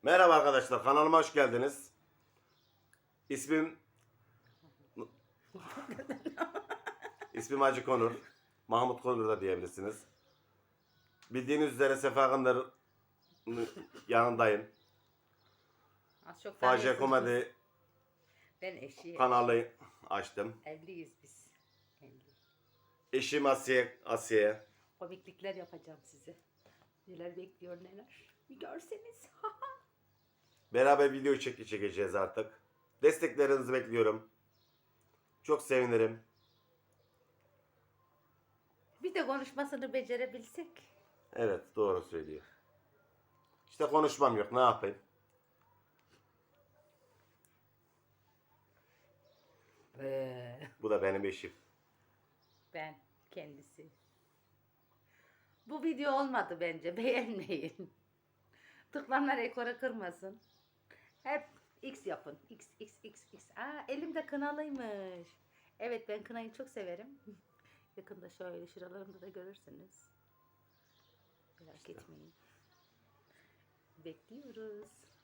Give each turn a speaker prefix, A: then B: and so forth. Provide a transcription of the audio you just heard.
A: Merhaba arkadaşlar, kanalıma hoş geldiniz. İsmim ismim Hacı Konur. Mahmut Konur da diyebilirsiniz. Bildiğiniz üzere Sefa Akınlar'ın yanındayım.
B: Az çok
A: Facia
B: tanıyorsunuz.
A: Komedi
B: Ben eşi.
A: kanalı açtım.
B: Evliyiz biz. Evli.
A: Eşim Asiye.
B: Komiklikler yapacağım size. Neler bekliyor neler. Bir görseniz.
A: Beraber video çekeceğiz artık. Desteklerinizi bekliyorum. Çok sevinirim.
B: Bir de konuşmasını becerebilsek.
A: Evet, doğru söylüyor. İşte konuşmam yok, ne yapayım? Bu da benim eşim.
B: Ben kendisi. Bu video olmadı bence. Beğenmeyin. Tıklanma rekoru kırmasın. Hep X yapın. X, X, X, X. Aa, elimde kınalıymış. Evet, ben kınayı çok severim. Yakında şöyle şuralarımda da görürsünüz. Merak etmeyin. Bekliyoruz.